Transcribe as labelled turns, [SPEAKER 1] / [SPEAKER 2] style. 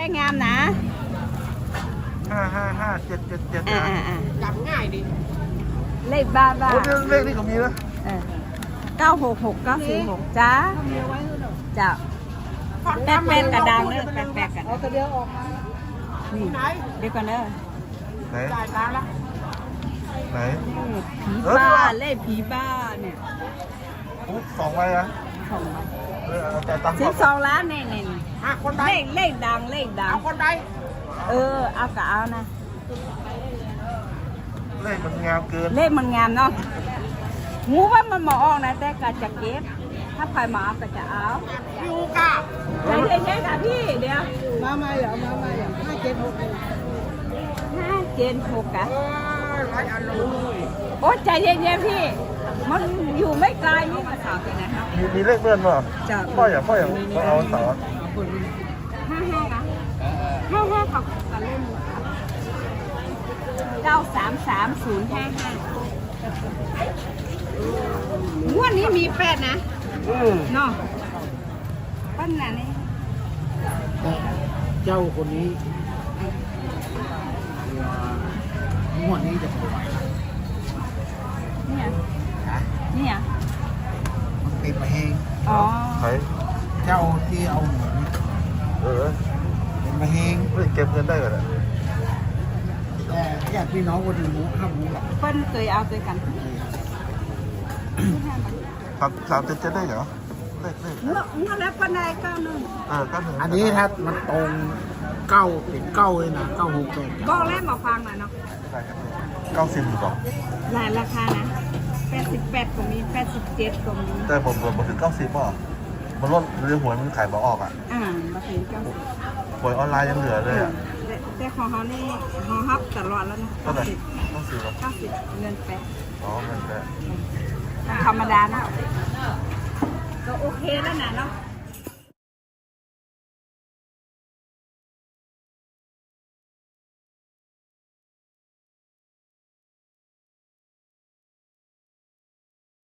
[SPEAKER 1] ขงามนะ
[SPEAKER 2] 555 777นะ
[SPEAKER 3] จำง่ายดิ
[SPEAKER 1] เลขบ้า
[SPEAKER 2] โอ้เลขนี่ก็มีนะ
[SPEAKER 1] 966 946จ้าจ้าแป๊ดกระดังเด้อแป๊ดกัน
[SPEAKER 3] เอาตัวเดียวออกมา
[SPEAKER 1] นี่เดี๋ยวก่อนเด้อ
[SPEAKER 2] ไหน
[SPEAKER 3] จ่ายตังค์ละ
[SPEAKER 2] ไหน
[SPEAKER 1] ผีบ้าเลขผีบ้าเนี่ย
[SPEAKER 2] ปุ๊บ2ใบอะ
[SPEAKER 1] ของมัน
[SPEAKER 2] จ่ายตังค์
[SPEAKER 1] 12 ล้านเนี่ย
[SPEAKER 3] คนใด
[SPEAKER 1] เลขดัง
[SPEAKER 3] เอาคนใด
[SPEAKER 1] เอากะเอานะ
[SPEAKER 2] เลขมันงามเกิน
[SPEAKER 1] เลขมันงามเนาะงูว่ามันมาออกนะแต่ก็จะเก็บถ้าใครมาเอาก็จะเอา
[SPEAKER 3] พี่อูกา
[SPEAKER 1] ใจเย็นๆค่ะพี่เดี๋ยว
[SPEAKER 3] มาเหรอ
[SPEAKER 1] 576อะ
[SPEAKER 3] ไรอันเลย
[SPEAKER 1] โอ้ใจเย็นๆพี่มันอยู่ไม่ไกลนี่มาสาวไปไหนครับ
[SPEAKER 2] มีเลขเลื่อนป่ะ
[SPEAKER 1] จะ
[SPEAKER 2] พ่ออย่างเอาเสา
[SPEAKER 1] 55นะ55กับเล่น9333055งวดนี้มี8นะเนาะปั้นน่ะนี่
[SPEAKER 3] เจ้าคนนี้งวดนี้จะสวย
[SPEAKER 1] เนี่ยเนี่ย
[SPEAKER 3] มันติดมาเอง
[SPEAKER 1] อ๋อ
[SPEAKER 2] ใคร
[SPEAKER 3] เจ้าที่เอาหมู เป็นมาเอง
[SPEAKER 2] เก็บเงินได้ก่อน
[SPEAKER 3] แต่ญาติพี่น้องคนอื่นรู้ห้ามรู้หรอก
[SPEAKER 1] เพิ่นเคยเอาด้วยกัน
[SPEAKER 2] 377ได้เหรอเลข
[SPEAKER 1] เมื่อแล้วปานใด91
[SPEAKER 2] 91
[SPEAKER 3] อันนี้ถ้ามันตรงเก้าเป็นเก้าเลยนะ968
[SPEAKER 1] บอกแล้วมาฟังหน่อยเนาะ
[SPEAKER 2] 90อยู่ก่อน
[SPEAKER 1] หลายราคานะ88ก็มี87ก็มี
[SPEAKER 2] แต่ผมถึง90ป่ะมันลดเรื่องหวยมันขายบ่ออกอ่ะ
[SPEAKER 1] มาถึง90
[SPEAKER 2] หวยออนไลน์ยังเหลือเลยอ่ะ
[SPEAKER 1] แต่ของเขานี่เขาฮับตลอดแล้วนะ
[SPEAKER 2] เท่าไหร่ต้องซื้อหรอ
[SPEAKER 1] 90เงินแปะ
[SPEAKER 2] อ๋อเงินแปะ
[SPEAKER 1] ธรรมดานะก็โอเคแล้วนะเนาะ